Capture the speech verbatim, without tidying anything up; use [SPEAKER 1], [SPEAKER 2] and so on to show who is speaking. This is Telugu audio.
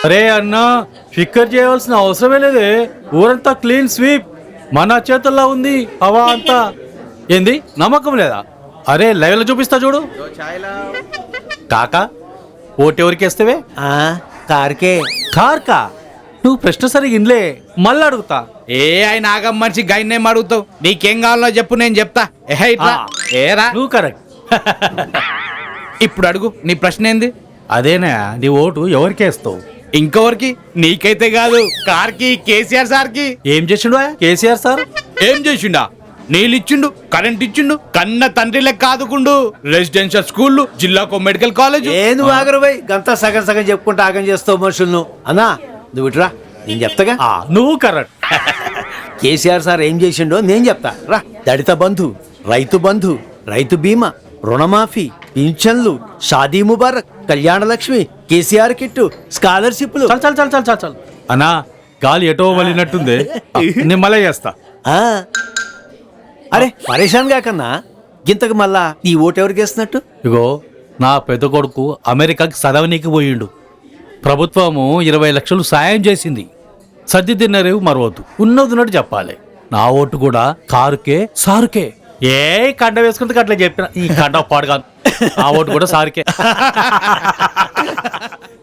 [SPEAKER 1] అరే అన్నా, ఫిక్కర్ చేయవలసిన అవసరమే లేదే. ఊరంతా క్లీన్ స్వీప్ మన చేతుల్లో ఉంది. హవా అంతా ఏంది, నమ్మకం లేదా? అరే లైవ్ లో చూపిస్తా చూడు. కాకా ఓటు ఎవరికి వేస్తేవే?
[SPEAKER 2] కార్కే.
[SPEAKER 1] కార్కా? నువ్వు ప్రశ్న సరిగా ఇన్లే, మళ్ళీ అడుగుతా.
[SPEAKER 3] ఏ ఆయన ఆగం మనిషి గైన్నేం అడుగుతావు? నీకేం కావాలో చెప్పు, నేను చెప్తా. ఏ ఇట్లా ఏరా,
[SPEAKER 1] నువ్వు కరెక్ట్.
[SPEAKER 3] ఇప్పుడు అడుగు, నీ ప్రశ్న ఏంది?
[SPEAKER 1] అదేనా, నీ ఓటు ఎవరికి వేస్తావు?
[SPEAKER 3] ఇంకొవరికి? నీకైతే కాదు, కార్కి, కేసీఆర్ సార్ కి.
[SPEAKER 1] ఏం చేసిండు కేసీఆర్ సార్?
[SPEAKER 3] ఏం చేసిండా? నీళ్ళు ఇచ్చిండు, కరెంట్ ఇచ్చిండు, కన్న తండ్రి లెక్క ఆదుకుండు. రెసిడెన్షియల్ స్కూళ్ళు, జిల్లాకు మెడికల్ కాలేజ్.
[SPEAKER 2] ఏ నువ్వు ఆగరుబాయ్, గంతా సగం సగం చెప్పుకుంటూ ఆగం చేస్తావు మనుషులను. అన్నా నువ్వు ఇటురా, నేను చెప్తాగా.
[SPEAKER 1] నువ్వు కరెక్ట్.
[SPEAKER 2] కేసీఆర్ సార్ ఏం చేసిండో నేను చెప్తా రా. దళిత బంధు, రైతు బంధు, రైతు బీమా, రుణమాఫీ, పింఛన్లు, షాదీ ముబారక్, కళ్యాణ లక్ష్మి, కేసీఆర్ కిట్టు, స్కాలర్షిప్లు.
[SPEAKER 1] చల్ చల్ చల్ చల్ చల్ చల్ అన్నా, గాలి ఎటో వలినట్టుంది. నేను మళ్ళీ చేస్తా.
[SPEAKER 2] ఆ, అరే పరేషాన్ కాకన్నా, గింతకు మళ్ళా ఈ ఓటు ఎవరికి వేస్తున్నట్టు?
[SPEAKER 1] ఇగో నా పెద్ద కొడుకు అమెరికాకి చదవనీకి పోయిండు. ప్రభుత్వము ఇరవై లక్షలు సాయం చేసింది. సర్ది తిన్నరేవు మరవద్దు, ఉన్నదిన్నట్టు చెప్పాలి. నా ఓటు కూడా కారుకే సారుకే. ఏ కండ వేసుకుంటే అట్లా చెప్పిన ఈ కండ పాడుగా, ఆ ఓటు కూడా సారుకే.